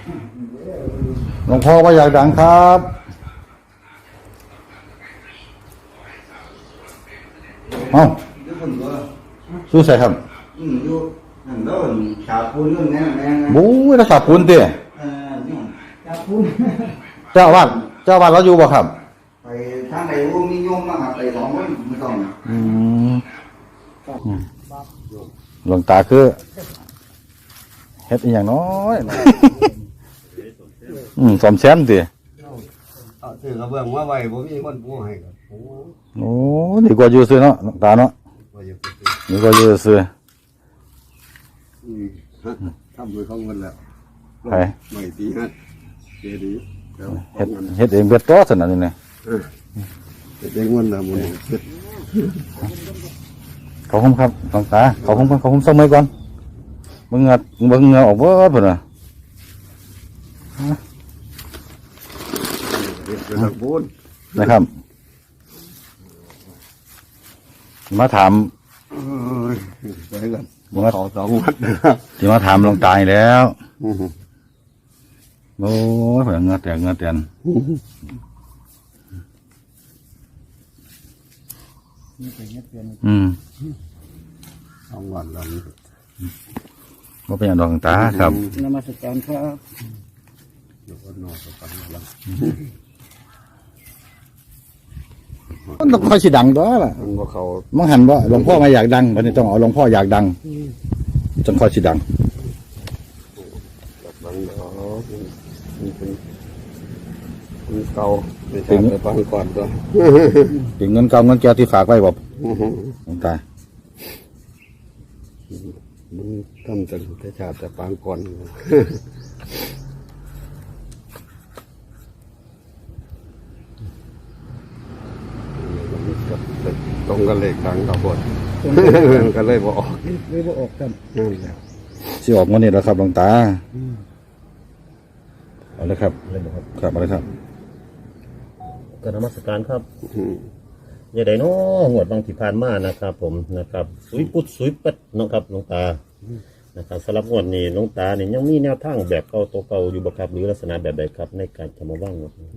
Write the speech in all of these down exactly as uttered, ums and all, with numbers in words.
หลวงพ่อว่าอยากดังครับเอ้าสู้ใส่ครับบู๊ยรักษาปูนเตี้ยเจ้าวัดเจ้าวัดเราอยู่บ่ครับไปทางไหนวงนิยมมากครับไปสองคนไม่ต้องอืมหลวงตาคือเฮ็ดอีหยังน้อยอืมสมแซมติเอาซื้อกระเบื้องมาไว้บ่มีคนปูให้ครับโอ้ดีกว่าอยู่ซื่อเนาะหลวงตาเนาะดีกว่าอยู่ซื่ออืมฮะทำโดยของเงินแล้วไผไม่ตีฮะเจดีเฮ็ดเฮ็ดเองเบิดตัวซั่นน่ะนี่นะเฮ็ดเองเงินน่ะมื้อนี้เฮ็ดขอบคุณครับหลวงตาขอบคุณขอบคุณสักมื้อก่อนเบิ่งเหงือเบิ่งเหงือออกเบิดพุ่นน่ะนะครับมาถามไปกันมาขอสองวัดที่มาถามหลวงตาแล้วโอ้ยเผื่อเงือแตกเงือแตนอืมสองวันแล้วก็เป็นอย่างดวงตาครับนมัสการครับเดี๋ยวก็นอนสักพักแล้วมันต้องคอยสิดังตัวล่ะมังหันว่าหลวงพ่อมาอยากดังวันนี้ต้องเอาหลวงพ่ออยากดังจนคอยสิดังดังเนาะมันเป็นมันเก่าไม่ใช่ไปฟังก่อนตัวถึงเงินเก่าเงินแก้วที่ฝากไว้บอกหลวงตามันทำจากแต่ชาติแต่ปางก่อนตรงกันเลขทางกับบทก็เลยบอกเลยบอกออกกันสิออกวันนี้แล้วครับหลวงตาเอาเลยครับครับเอาเลยครับกรรมสการครับอย่าได้น้องวดบางที่ผ่านมานะครับ ผมนะครับสุยปุดสุยปัดนะครับหลวงตานะครับสำหรับงวดนี้หลวงตาเนี่ยยังมีแนวทางแบบเก่าตัวเก่าอยู่บ่ครับหรือลักษณะแบบใดครับในการทำมาบ้างงวดนี้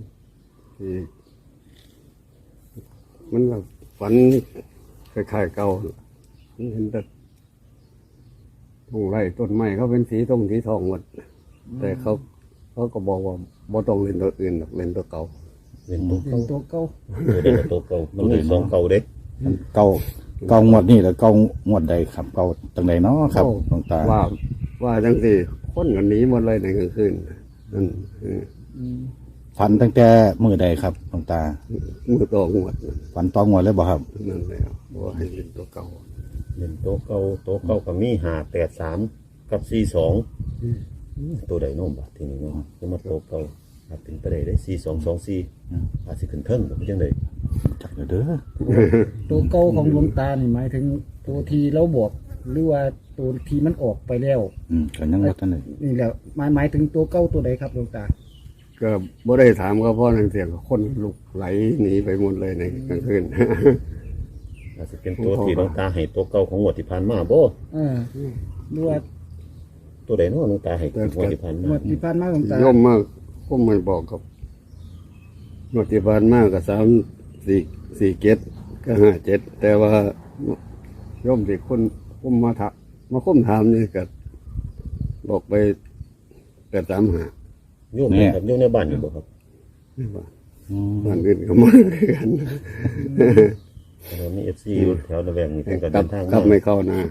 มันแบบฝันคล้ายๆเก่าเห็นแต่ต้นไร่ต้นไม้เขาเป็นสีตรงสีทองหมดแต่เขาเขาก็บอกว่าบ่ต้องเล่นตัวอื่นเล่นตัวเก่าเล่นตัวเก่าตัวเก่าเล่นตัวเก่ามันมีสองเก่าเด็กเก่าเก่างวดนี่แล้วเก่างวดใดครับเก่าจังใดเนาะครับหลวงตาว่าว่าจังสิคนกันหนีหมดเลยในกลางคืนนั่นฝันตั้งแต่มื้อใดครับหลวงตามือตองวดฝันตองวดเลยบ่ครับนั่นแหละว่าให้เล่นตัวเก่าเล่นตัวเก่าตัวเก่ากับมีห้าแปดสามกับสี่สองตัวใดโน้มบ่ทีนี้เนาะจะมาตัวเก่าเป็นไปได้ได้สี่สองสองสี่อาจจะขึ้นเทิงแบบจังไดจักเด้อตัวเก่าของหลวงตานี่หมายถึงตัวทีเราบอกหรือว่าตัวทีมันออกไปแล้วอืมก็ยังว่าท่านนี่นี่แหละหมายหมายถึงตัวเก่าตัวใดครับหลวงตาก็บ่ได้ถามก็เพราะนั่นเสียงคนลุกไหลหนีไปหมดเลยในกลางคืนอาจจะเป็นตัวที่หลวงตาให้ตัวเก่าของงวดที่ผ่านมาบ่เออหรือว่าตัวใดเนาะหลวงตาให้งวดที่ผ่านมางวดที่ผ่านมาหลวงตาย่อมมากก็ไม่บอกกับงวดที่ผ่านมากับสามสี่สี่เจ็ดก็ห้าเจ็ดแต่ว่าย่อมสิคนคุ้มมาถามมาคุ้มถามนี่ก็บอกไปแปดสามห้าโยมเนี่ยครับโยมในบ้านอยู่บ่ครับบ้านอื่นก็มากันเรามีเอฟซีแถวระแวกนี้เป็นการเดินทางกลับไม่เข้านะ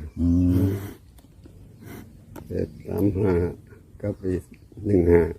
เจ็ดสามห้ากับอีกหนึ่งห้า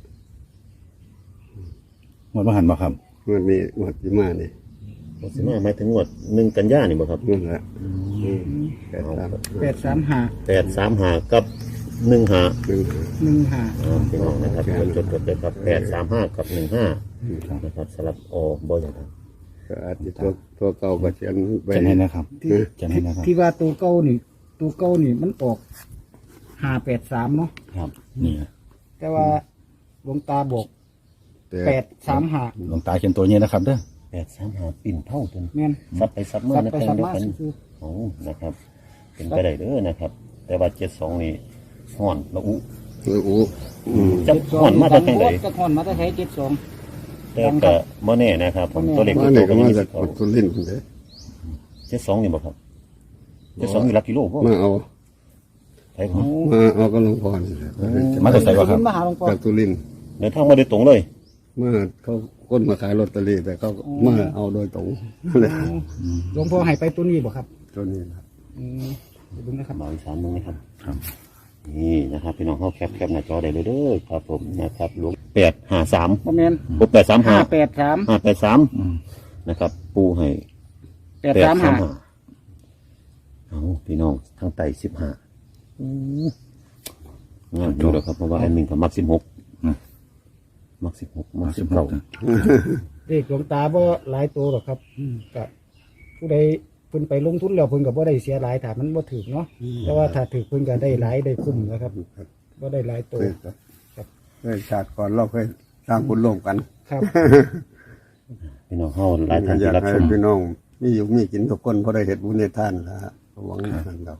หมดมาหันบ่ครับงวดนี้งวดที่มานี่งวดที่มาหมายถึงงวดหนึ่งกันยานี่บ่ครับนั่นแหละแปดสามห้าแปดสามห้ากับหนึ่งห้าหนึ่งหนึ่งห้าพี่น้องนะครับจดจดจดเลยครับแปดสามห้ากับหนึ่งห้านะครับสลับอบ่อย่างไรก็อาจจะตัวตัวเก่าก็เขียนไปให้นะครับเขียนให้นะครับที่ว่าตัวเก่านี่ตัวเก่านี่มันออกห้าแปดสามเนาะครับนี่แต่ว่าหลวงตาบอกแปดสามห้าหลวงตาเขียนตัวนี้นะครับเด้อแปดสามห้าปิ่นเท่าจนแม่นซับไปซับเมื่อนะเป็นเป็นโอ้นะครับเป็นไปได้เด้อนะครับแต่ว่าเจ็ดสองนี่ห่อนละอุเอออู้อืมจะห่อนมาจากทางไหนจะห่อนมาตั้งแต่เจ็ดสองแต่ก็บ่แน่นะครับผมตัวเล็กมาตัวโตเนี่ยก็ก็ยังมามีจาสิกทธิ์เอาสุรินทร์พุ่นเด้เจ็ดสองนี่บ่ครับเจ็ดสองอยู่หลักกิโลบ่มาเอาใช่ครับมาเอาก็หลวงพ่อนี่แหละมาจากไสวะครับมาหาหลวงพ่อจากสุรินทร์เดินทางมาโดยตรงเลยเมื่อเขาคนมาขายลอตเตอรี่แต่เขามาเอาโดยตรงนั่นแหละหลวงพ่อให้ไปตัวนี้บ่ครับตัวนี้นะอืมเดี๋ยวดูนะครับมาอีกสามนึงนะครับครับนี่นะครับพี่น้องเข้าแคปแคปหน้าจอได้เลยเด้อครับผมนะครับหลวงแปดห้าสามบ่แม่นปูแปดสามห้าห้าแปดสามห้าแปดสามอืมนะครับ ปูให้แปดสามห้าเอาพี่น้องทั้งไต่สิบห้างานดูแล้วครับเพราะว่าแอดมินกับมักสิบหกอืมมักสิบหกมักสิบเก้าเลขหลวงตาบ่หลายตัวหรอกครับก็ผู้ใดเพิ่นไปลงทุนแล้วเพิ่นก็บ่ได้เสียหลายถ้ามันบ่ถูกเนาะแต่ว่าถ้าถูกเพิ่นก็ได้หลายได้คุ้มนะครับบ่ได้หลายตัวเคยครับเคยชาติก่อนเราเคยสร้างบุญร่วมกันครับพี่น้องเข้าหลายท่านอยาที่กรับให้ชมพี่น้องมีอยู่มีกินทุกคนเพราะได้เห็ดบุญในท่านละหวังนั่นเรา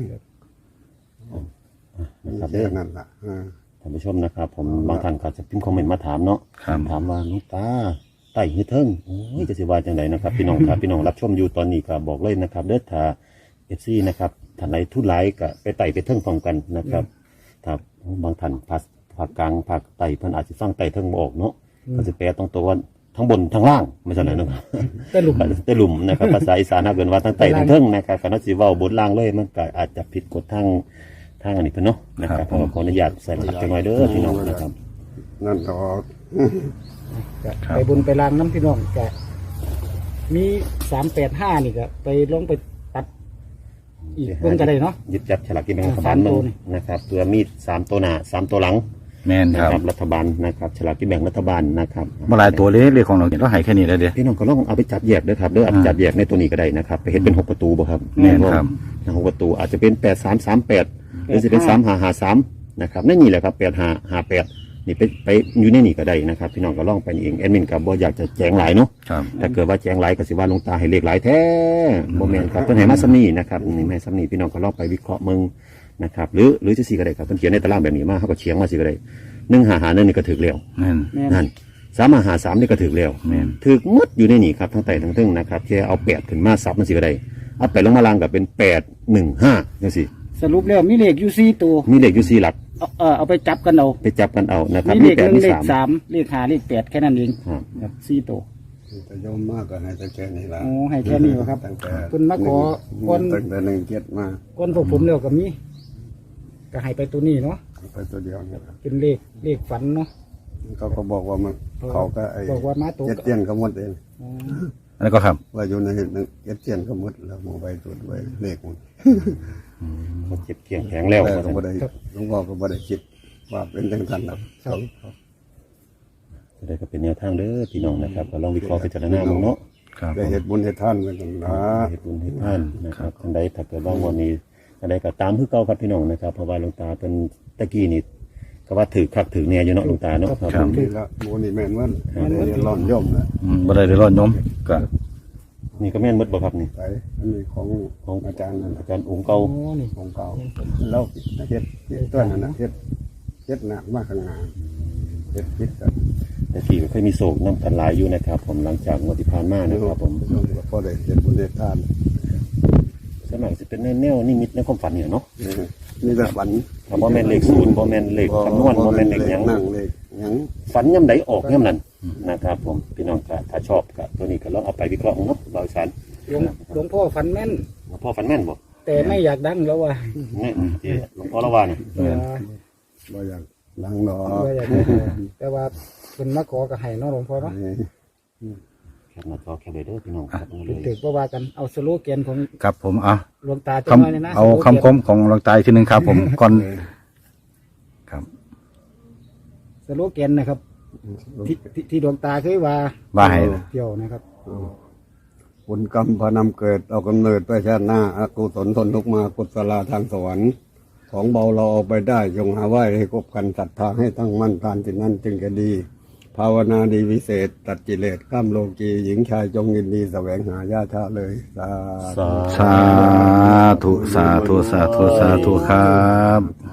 นะครับแค่เด้อนั่นละอ่าท่านผู้ชมนะครับ ผมบางท่านก็จะพิมพ์คอมเมนต์มาถามเนาะครับถามว่าน้องตาไต่หื้อเทิงโอ้ยจะสิว่าจังไดนะครับ พี่น้องครับพี่น้องรับชมอยู่ตอนนี้ก็บอกเลยนะครับเด้อถ้าเอฟซีนะครับท่านใดทุนหลายก็ไปไต่ไปเทิงพร้อมกันนะครับถ้าบางท่านภาคภาคกลางภาคใต้เพิ่นอาจจะฟังไต่เทิงบ่ออกเนาะก็จะแปลตรงตัวว่าทั้งบนทั้งล่างไม่ใช่เลยนะครับแต่หลุมแต่หลุมนะครับภาษาอีสานถ้าเกิดว่าทั้งไต่ทั้งเทิงนะครับการสิเว้าบนล่างเลยมันก็อาจจะผิดกฎทางทางอันนี้เพิ่นเนาะนะครับเพราะว่าขออนุญาตใส่รหัสจังหน่อยเด้อพี่น้องนะครับนั่นเราก็ไปบุญไปลางน้ำพี่น้องก็มีสามแปดห้านี่ก็ไปลงไปตัดอีกเพิ่นก็ได้เนาะยึดจับฉลากกินแบ่งรัฐบาลสามมึตัวงนี่นะครับตัวมีดสามตัวหน้าสามตัวหลังแม่นนะคครัรับบรัฐบาลนะครับฉลากกินแบ่งรัฐบาลนะครับเมื่อหลายตัวเลยเลขของเราเราให้แค่นี้แล้วเด้อพี่น้องก็ลองเอาไปจับแยกด้วยครับเด้อเอาไปจับแยกในตัวนี้ก็ได้นะครับไปเห็นเป็นหกประตูบ่ครับแม่นครับนะหกประตูอาจจะเป็นแปดสามสามแปดหรือจะเป็นสามห้าห้าสามนะครับนั่นนี่แหละครับแปดห้าห้าแปดนี่ไปไปอยู่ในนี่ก็ได้นะครับพี่น้องก็ลองไปเองแอดมินกับบ่อยากจะแจ้งหลายเนาะครับถ้าเกิดว่าแจ้งหลายก็สิว่าหลวงตาให้เลขหลายแท้บ่แม่นครับเพิ่นให้มาซ้ำนี้นะครับนี่ให้ซ้ำนี้พี่น้องก็ลองไปวิเคราะห์มึงนะครับหรือหรือจะสิก็ได้ครับเพิ่นเขียนในตารางแบบนี้มาเฮาก็เฉียงมาสิก็ได้หนึ่งห้าห้าหนึ่งนี่ก็ถูกแล้วแม่นแม่นนั่นสามห้าห้าสามนี่ก็ถูกแล้วแม่นถูกหมดอยู่ในนี่ครับทั้งไต่ทั้งทึ่งนะครับแค่เอาแปดขึ้นมาซับมันสิก็ได้เอาแปดลงมาล่างก็เป็นแปดหนึ่งห้าจังซี่สรุปแล้วมีเลขอยู่สี่ตัวมีเลขอยู่สี่หลักเอาเออเอาไปจับกันเอาไปจับกันเอานะครับมีเลขแปหดนึ่งมีเลขสามสามเลขห้าเลขแปดแค่นั้นเองครับครับสี่ตัวจะโยมมากก็ให้แต่แค่นี้ละโอ้ให้แค่นี้เหรอครับตั้งแต่เพิ่นมาขอหก่อนตั้งแต่หนึ่งเจ็ดมาก้อนพวกผมแล้วก็มีก็ให้ไปตัวนี้เนาะไปตัวเดียวเนี่ยเป็นเลขเลขฝันเนาะเขาก็บอกว่ามันเขาก็ไอ้บอกว่ามาตัวเจ็ดเตียนก็หมดเองอ๋ออันนี้ก็ครับว่าอยู่ในหนึ่งเจ็ดเตียนก็หมดแล้วมองไปตัวด้วยเลขมันมันเจ็บเกี่ยงแข็งแล้วแต่ก็บ่ได้หลวงพ่อก็บ่ได้คิดว่าเป็นจังทันหรอกครับจะได้ก็เป็นแนวทางเด้อพี่น้องนะครับก็ลองวิเคราะห์พิจารณาบ้างเนาะครับได้เฮ็ดบุญเฮ็ดทานกันตั้งนะเหตุบุญเหตุท่านนะครับท่านใดถ้าเกิดว่าวันนี้ท่านใดก็ตามคือเก่าครับพี่น้องนะครับเพราะว่าหลวงตาเป็นตะกี้นี่ก็ว่าถือคักถือเนี่ยอยู่เนาะหลวงตาเนาะครับครับนี่ละโมนี่แม่นวันได้ร้อนย่อมนะอืมบ่ได้ได้รอดโยมก็นี่ก็แม่นหมดบ่ครับนี่ไปอันนี้ของของอาจารย์นั่นอาน่ะจารย์องค์เก่าโอ้นี่ของเก่าแล้วเฮ็ดเฮ็ดตัวนั้นน่ะเฮ็ดเฮ็ดหนักมากข้างหน้าเฮ็ดคิดกันแต่ที่ก็เคยมีโศกน้ำกันหลายอยู่นะครับผมหลังจากงวดที่ผ่านมานะครับผมพอได้เฮ็ดบุญเฮ็ดทานสมัยสิเป็นแนวนิมิตในความฝันเนี่ยเนาะนี่แบบฝันถ้าบ่แม่นเลขศูนย์บ่แม่นเลขคำนวณบ่แม่นเลขหยังนั่งเลขหยังฝันย่ำใดออกย่ำนั้นนะครับผมพี่น้องก็ถ้าชอบก็ตัวนี้ก็ลองเอาไปวิเคราะห์เนาะบริษัทหลวงหลวงพ่อฝันแม่นพ่อฝันแม่นบ่แต่ไม่อยากดังแล้วว่านี่ที่หลวงพ่อละว่าเนี่ยเออบ่อยากดังดอกว่าอยากได้แต่ว่าเป็นมาขอกับไห้เนาะหลวงพ่อเนาะแคปหน้าจอแคปเลยเด้อพี่น้องครับเลยถือว่าว่ากันเอาสโลแกนของครับผมเอาหลวงตาจะคน้อยเลยนะำเอาสโลแกนคำคมของหลวงตาอีกทีหนึงครับ ผมก่อนครับสโลแกนนะครับที่ที่ที่ดวงตาเคยว่าว่าให้เที่ยวนะครับบุญกรรมพานำเกิดเอากำเนิดไปชาติหน้าอกุศลทนทุกข์มากุศลาทางสวรรค์ของเบาเราเอาไปได้จงหาไหว้ให้คบกันศรัทธาให้ตั้งมั่นทานที่นั่นจึงจะดี ภาวนาดีวิเศษ ตัดกิเลสข้ามโลกีหญิงชายจงยินดีแสวงหาญาชาเลยสาธุสาธุสาธุสาธุสาธุครับ